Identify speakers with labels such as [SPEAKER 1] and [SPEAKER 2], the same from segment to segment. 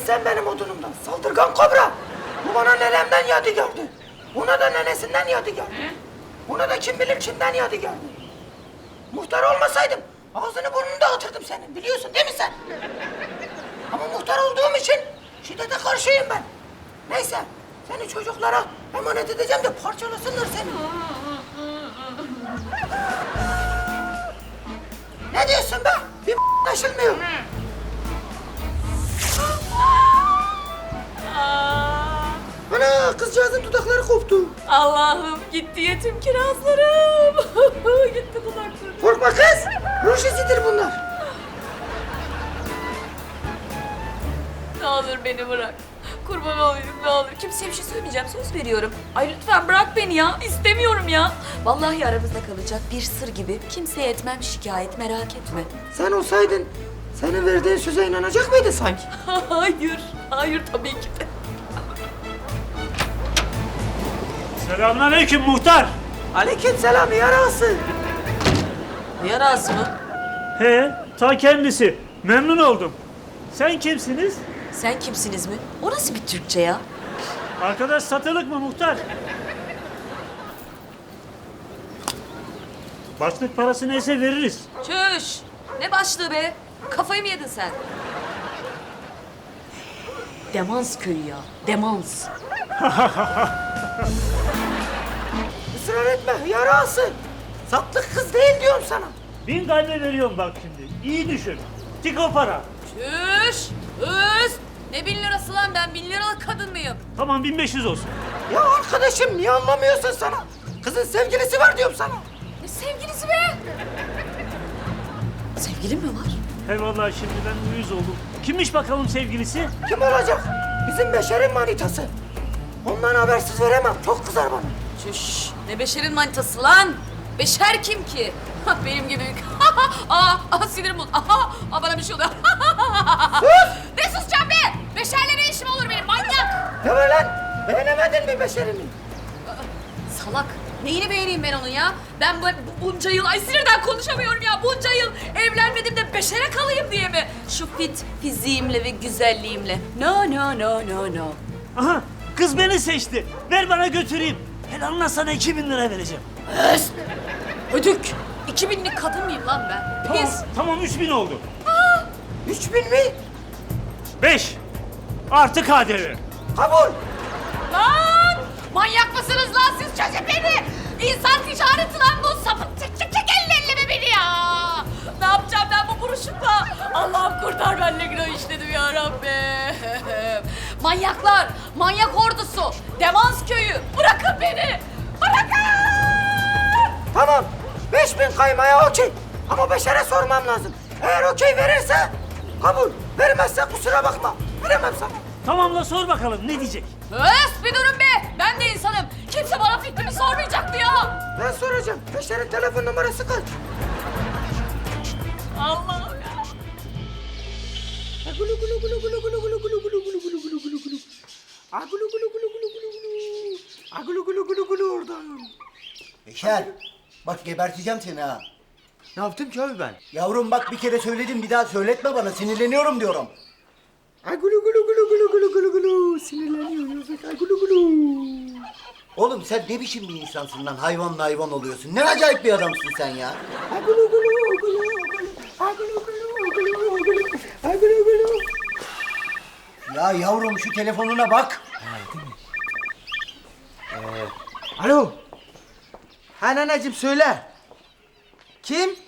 [SPEAKER 1] sen benim odunumdan. Saldırgan kobra. Bu bana nenemden yadigardı. Buna da nenesinden yadigardı. Buna da kim bilir kimden yadigardı. Muhtar olmasaydım ağzını burnunu dağıtırdım senin. Biliyorsun değil mi sen? Ama muhtar olduğum için şiddete karşıyım ben. Neyse, seni çocuklara emanet edeceğim de parçalasınlar seni. Ne diyorsun be? Bir anlaşılmıyor. Ana, kızcağızın dudakları koptu.
[SPEAKER 2] Allah'ım gitti yetim kirazlarım. Gitti dudaklarım.
[SPEAKER 1] Korkma kız, ruj izidir bunlar.
[SPEAKER 2] Ne olur beni bırak. Kurban olayım ne olur. Kimseye bir şey söylemeyeceğim, söz veriyorum. Ay lütfen bırak beni ya. İstemiyorum ya. Vallahi aramızda kalacak bir sır gibi. Kimseye etmem şikayet, merak etme.
[SPEAKER 1] Sen olsaydın, senin verdiğin söze inanacak mıydın sanki?
[SPEAKER 2] Hayır, hayır tabii ki de.
[SPEAKER 3] Selamünaleyküm muhtar.
[SPEAKER 1] Aleykümselam yarası.
[SPEAKER 2] Yaraz mı?
[SPEAKER 3] He, ta kendisi. Memnun oldum. Sen kimsiniz?
[SPEAKER 2] Sen kimsiniz mi? O nasıl bir Türkçe ya?
[SPEAKER 3] Arkadaş satılık mı muhtar? Başlık parası neyse veririz.
[SPEAKER 2] Çüş! Ne başlığı be? Kafayı mı yedin sen? Demans köyü ya. Demans.
[SPEAKER 1] Israr etme yarası. Satlık kız değil diyorum sana.
[SPEAKER 3] 1000 kalbe veriyorum bak şimdi. İyi düşün. Tik o para.
[SPEAKER 2] Çüş! Üst! Ne 1000 lirası lan, ben 1000 liralık kadın mıyım?
[SPEAKER 3] Tamam 1500 olsun.
[SPEAKER 1] Ya arkadaşım niye anlamıyorsun sana? Kızın sevgilisi var diyorum sana.
[SPEAKER 2] Ne sevgilisi be? Sevgilin mi var?
[SPEAKER 3] He vallahi şimdiden uyuz oldum. Kimmiş bakalım sevgilisi?
[SPEAKER 1] Kim olacak? Bizim Beşer'in manitası. Ondan habersiz veremem. Çok kızar bana.
[SPEAKER 2] Çüş! Ne Beşer'in manitası lan? Beşer kim ki? Benim gibi. Sinirim bozuldu. Bana bir şey oluyor. Ne susacağım be? Beşer'le ne işim olur benim, manyak?
[SPEAKER 1] Ne var lan? Beğenemedin mi Beşer'imi?
[SPEAKER 2] Salak. Neyini beğeneyim ben onun ya? Ben bunca yıl, ay sinirden konuşamıyorum ya. Bunca yıl evlenmedim de Beşer'e kalayım diye mi? Şu fit fiziğimle ve güzelliğimle. No, no, no, no, no.
[SPEAKER 3] Aha, kız beni seçti. Ver bana götüreyim. Helalına sana 2000 lira vereceğim.
[SPEAKER 2] Öst! Ödük! 2000'lik kadın mıyım lan ben?
[SPEAKER 3] Tamam,
[SPEAKER 2] Pis!
[SPEAKER 3] tamam 3000 oldu.
[SPEAKER 1] 3000 mi?
[SPEAKER 3] 5 artı KDV.
[SPEAKER 1] Kabul.
[SPEAKER 2] Lan! Manyak mısınız lan siz? Çözün beni! İnsan ticareti lan bu! Sapık çek elleme beni ya! Ne yapacağım ben bu buruşumla? Allah'ım kurtar, ben ne günah işledim ya Rabbim! Manyaklar! Manyak ordusu! Demans köyü! Bırakın beni! Bırakın!
[SPEAKER 1] Tamam. 5000 kaymaya okey. Ama Beşer'e sormam lazım. Eğer okey verirse kabul. Vermezse kusura bakma. Veremem sana.
[SPEAKER 3] Tamam la sor bakalım ne diyecek?
[SPEAKER 2] Öf bir durun be! Ben de insanım. Kimse bana fikrimi sormayacak mı ya?
[SPEAKER 1] Ben soracağım. Beşer'in telefon numarası kaç?
[SPEAKER 2] Allah'ım ya!
[SPEAKER 1] Agulu gulu gulu gulu gulu gulu gulu gulu gulu gulu gulu gulu gulu. Agulu gulu gulu gulu gulu gulu. Agulu gulu gulu gulu oradan.
[SPEAKER 4] Beşer, bak geberteceğim seni ha.
[SPEAKER 1] Ne yaptım ki abi ben?
[SPEAKER 4] Yavrum bak bir kere söyledim, bir daha söyletme bana, sinirleniyorum diyorum.
[SPEAKER 1] Agulu gulu gulu gulu gulu gulu gulu. Sinirleniyoruz. Agulu gulu.
[SPEAKER 4] Oğlum sen ne biçim bir insansın lan, hayvanla hayvan oluyorsun. Ne acayip bir adamsın sen ya.
[SPEAKER 1] Agulu gulu gulu gulu. Agulu gulu gulu gulu. Agulu gulu.
[SPEAKER 4] Ya yavrum şu telefonuna bak.
[SPEAKER 1] Alo. Ha nanacığım söyle. Kim?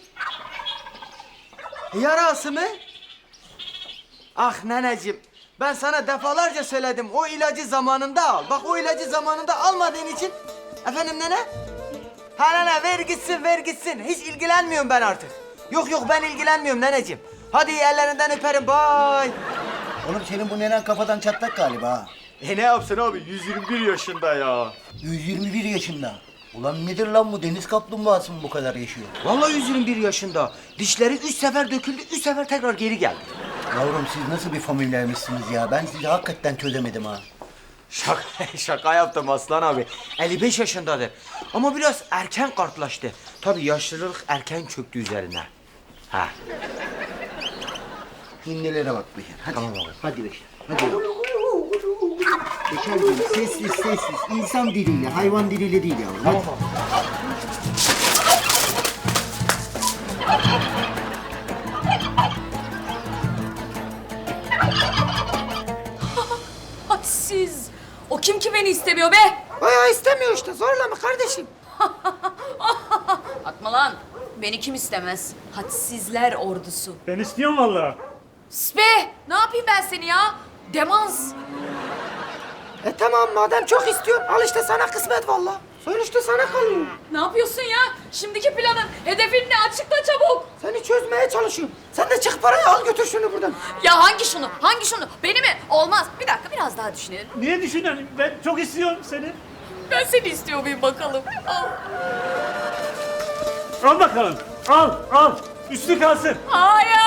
[SPEAKER 1] Yarası mı? Ah nanacığım. Ben sana defalarca söyledim. O ilacı zamanında al. Bak o ilacı zamanında almadığın için. Efendim nene? Ha nene ver gitsin ver gitsin. Hiç ilgilenmiyorum ben artık. Yok ben ilgilenmiyorum neneciğim. Hadi ellerinden öperim. Bye.
[SPEAKER 4] Oğlum senin bu nenen kafadan çatlak galiba ha.
[SPEAKER 5] Ne yapsın abi? 121 yaşında ya.
[SPEAKER 4] 121 yaşında. Ulan nedir lan bu, deniz kaplumbağası mı bu kadar yaşıyor?
[SPEAKER 1] Vallahi 121 yaşında. Dişleri 3 sefer döküldü, 3 sefer tekrar geri geldi.
[SPEAKER 4] Yavrum siz nasıl bir familyaymışsınız ya, ben sizi hakikaten çözemedim ha.
[SPEAKER 5] Şaka yaptım Aslan abi. 55 yaşındadır. Ama biraz erken kartlaştı. Tabii yaşlılık erken çöktü üzerine. Ha.
[SPEAKER 4] Hindilere bak Beşer, hadi.
[SPEAKER 5] Tamam abi.
[SPEAKER 4] Hadi Beşer. Hadi. Beşerciğim sessiz sessiz. İnsan diliyle, hayvan diliyle değil yavrum. Hadi.
[SPEAKER 2] Hadsiz. O kim ki beni istemiyor be?
[SPEAKER 1] Bayağı istemiyor işte. Zorlama kardeşim.
[SPEAKER 2] Atma lan. Beni kim istemez? Hadsizler ordusu.
[SPEAKER 3] Ben istiyorum vallahi.
[SPEAKER 2] Sus be! Ne yapayım ben seni ya? Demans.
[SPEAKER 1] Tamam madem çok istiyorsun. Al işte sana kısmet valla. Sonuçta sana kalıyor.
[SPEAKER 2] Ne yapıyorsun ya? Şimdiki planın, hedefin ne? Açıkla çabuk.
[SPEAKER 1] Seni çözmeye çalışıyorum. Sen de çık parayı al götür şunu buradan.
[SPEAKER 2] Ya hangi şunu? Hangi şunu? Beni mi? Olmaz. Bir dakika biraz daha düşünelim.
[SPEAKER 3] Niye düşünüyorsun? Ben çok istiyorum seni.
[SPEAKER 2] Ben seni istiyor muyum bakalım? Al.
[SPEAKER 3] Al bakalım. Al, al. Üstü kalsın.
[SPEAKER 2] Hayır.